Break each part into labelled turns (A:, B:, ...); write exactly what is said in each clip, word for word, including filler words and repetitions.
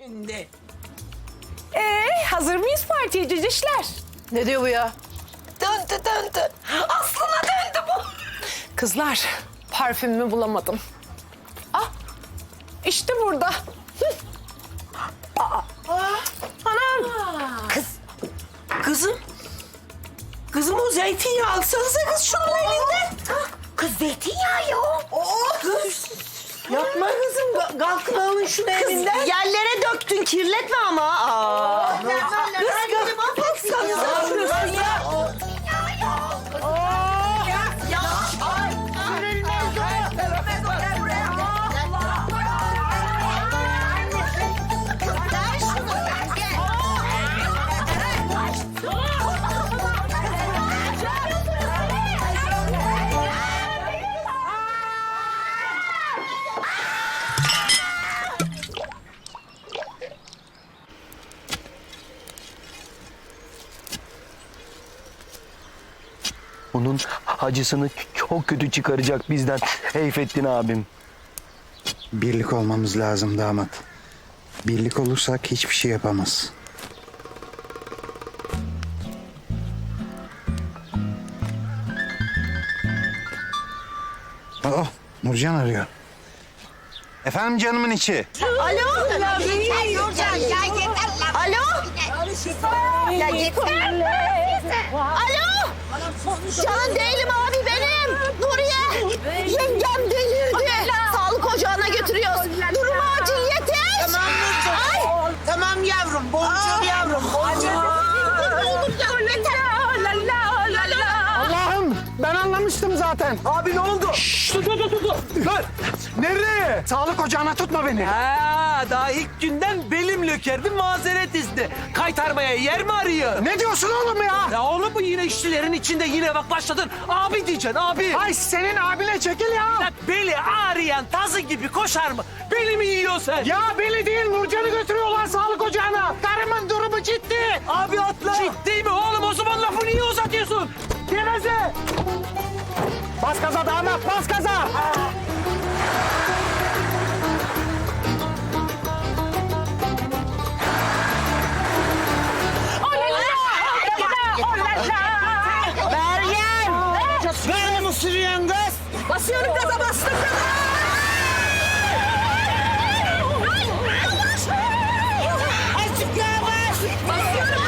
A: Şimdi.
B: Ee, hazır mıyız partiye cicişler?
C: Ne diyor bu ya?
A: Döndü döndü. Aslına döndü bu.
B: Kızlar, parfümümü bulamadım. Ah, işte burada. Hı. Aa, anam.
A: Kız. Kızım. Kızım o zeytinyağı alsanıza kız şunun elinden. Kız zeytinyağı ya. Oh, kız. Yapma kızım. Kalkın alın şunu elinden.
C: Yerlere döktün, kirletme ama. Aa.
A: Kız kız. Alsanıza şunu ya.
D: Bunun acısını çok kötü çıkaracak bizden Seyfettin abim.
E: Birlik olmamız lazım damat. Birlik olursak hiçbir şey yapamaz. Oh, Nurcan arıyor. Efendim canımın içi.
C: Alo?
F: Nurcan ya yeter lan.
C: Alo?
F: Ya yeter.
C: Alo? Can değilim abi benim. Nuriye. Yengem delirdi. Sağlık ocağına götürüyoruz. Durum acil yetiş.
A: Tamam Nurcan.
C: Ay.
A: Tamam yavrum. Boncuğum yavrum. Boncuğum.
G: Allah'ım ben anlamıştım zaten.
D: Abi ne oldu?
G: Şşş, dur dur dur dur. Dur. Nereye? Sağlık ocağına tutma beni.
H: Ha, daha ilk günden belim lökerdi mazeret izni. Kaytarmaya yer mi arıyor?
G: Ne diyorsun oğlum ya?
H: Ya oğlum bu yine işçilerin içinde yine bak başladın. Abi diyeceksin abi.
G: Ay senin abine çekil ya.
H: Ya beli ağrıyan tazı gibi koşar mı? Beli mi yiyorsun sen?
G: Ya beni değil Nurcan'ı götürüyorlar sağlık ocağına. Karımın durumu ciddi.
H: Abi atla. Ciddi mi oğlum o zaman lafı niye uzatıyorsun?
G: Geveze. Bas gaza damat bas gaza.
C: Meryem.
G: Böyle mi sürüyorsun kız?
C: Basıyorum gaza bastım gaza.
G: Azıcık yavaş.
C: Basıyorum.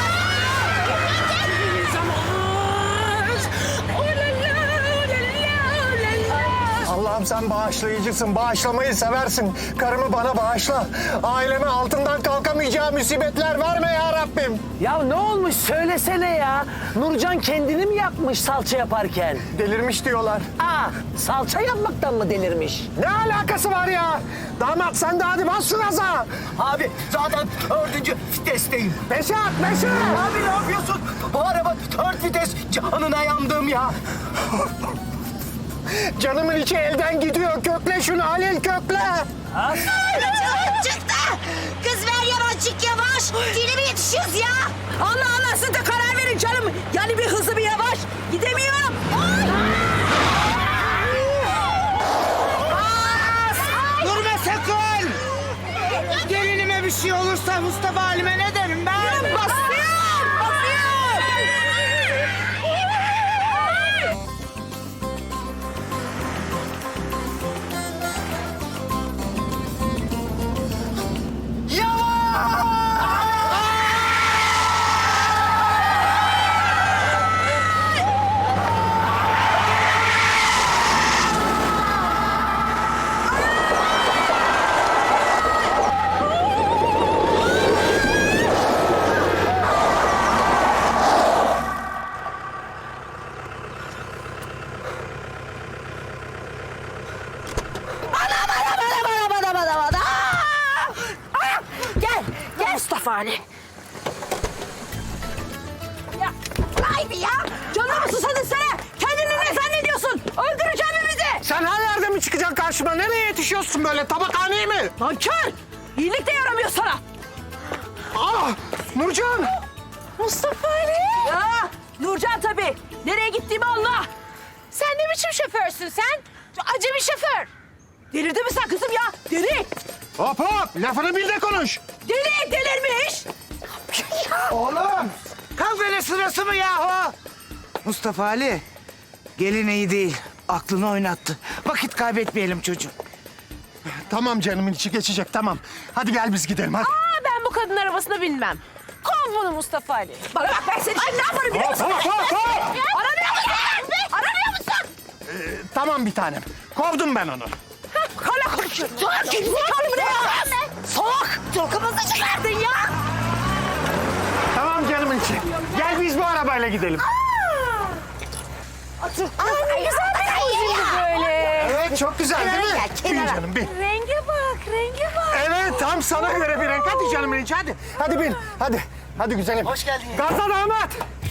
G: Allah'ım sen bağışlayıcısın. Bağışlamayı seversin. Karımı bana bağışla. Aileme altından kalkamayacağı musibetler verme ya Rabbim.
H: Ya ne olmuş söylesene ya. Nurcan kendini mi yapmış salça yaparken?
G: Delirmiş diyorlar.
H: Aa, salça yapmaktan mı delirmiş?
G: Ne alakası var ya? Damat sen de hadi bas şu gaza.
D: Abi zaten dördüncü vitesteyim.
G: Beşe at beşe.
D: Abi ne yapıyorsun? Bu araba dört vites. Canına yandım ya.
G: Canımın içi elden gidiyor. Kökle şunu Halil kökle.
F: Çıktı. Kız ver yavaşçık yavaş. Dili mi yetişiyoruz ya?
C: Allah Allah siz de karar verin canım. Yani bir hızlı bir yavaş. Gidemiyorum.
G: Durma sakın. Gelinime bir şey olursa Mustafa Halim'e ne derim ben?
C: Basıyorum. Basıyorum. Bana bana bana bana. Aa! Gel. Gel Mustafa Ali. Ya haydi ya. Canımı susadın sana. Kendini ne zannediyorsun? Öldüreceğim mi bizi?
G: Sen her yerde mi çıkacaksın karşıma? Nereye yetişiyorsun böyle? Tabakhaneye mi?
C: Nankör. İyilik de yaramıyor sana.
G: Ah! Nurcan!
C: Mustafa Ali. Ya Nurcan tabii. Nereye gittiğimi Allah.
B: Sen ne biçim şoförsün sen? Acemi şoför.
C: Delirdin mi sen kızım ya? Deli.
G: Hop hop! Lafını bil de konuş.
C: Deli.
A: sırası mı yahu? Mustafa Ali, gelin iyi değil. Aklını oynattı. Vakit kaybetmeyelim çocuğum.
G: Tamam canımın içi geçecek tamam. Hadi gel biz gidelim hadi.
B: Aa, ben bu kadın arabasına binmem. Kov bunu Mustafa Ali.
C: Bana bak ben seni şimdi ne yaparım biliyor musun?
G: Hop, hop, hop, hop.
C: Aramıyor musun? Aramıyor musun?
G: Tamam bir tanem. Kovdum ben onu.
C: Hala konuşuyor. Salak gerizekalı mı ne ya? Salak. Tokamızı çıkardın ya.
G: Tamam canımın içi. Gel biz bu arabayla gidelim.
C: Otur. Ay güzel bir
B: Böyle.
G: Evet çok güzel değil mi?
C: gel,
G: Bin
C: kenara.
G: canım bin.
B: Renge bak, renge bak.
G: Evet tam sana göre bir renk. Hadi canımın içi hadi. Hadi bin hadi. Hadi güzelim.
D: Hoş geldin.
G: Gaza damat.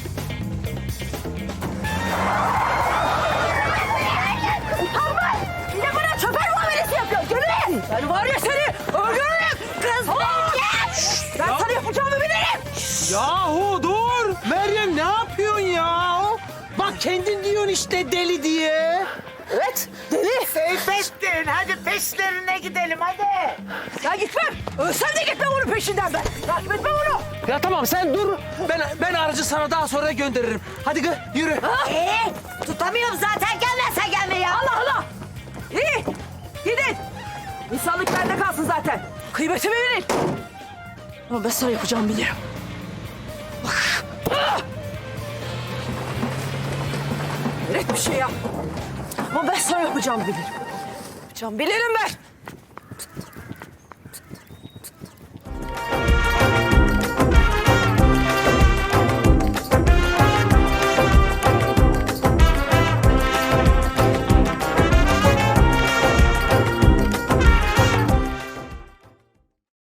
C: Bir de bana çöper muamelesi yapıyor. Gönül. Ben var ya seni öldürürüm. Kız Şşş, ben sana yapacağımı bilirim.
H: Yahu dur! Meryem ne yapıyorsun ya? Bak kendin diyorsun işte deli diye.
C: Evet deli.
A: Seyfettin, hadi peşlerine gidelim hadi.
C: Ya gitmem. Ölsem de gitmem onun peşinden ben. Takip etmem onu.
H: Ya tamam sen dur. Ben ben aracı sana daha sonra gönderirim. Hadi gı, yürü.
F: Ee, tutamıyorum zaten gelmezsen gelme ya.
C: Allah Allah. İyi. Gidin. İnsanlık bende kalsın zaten. Kıymetimi bilin. Ama ben sana yapacağımı bilirim. Bak. Ah! Hayret bir şey ya. Ama ben sana yapacağımı bilirim. Yapacağımı bilirim ben.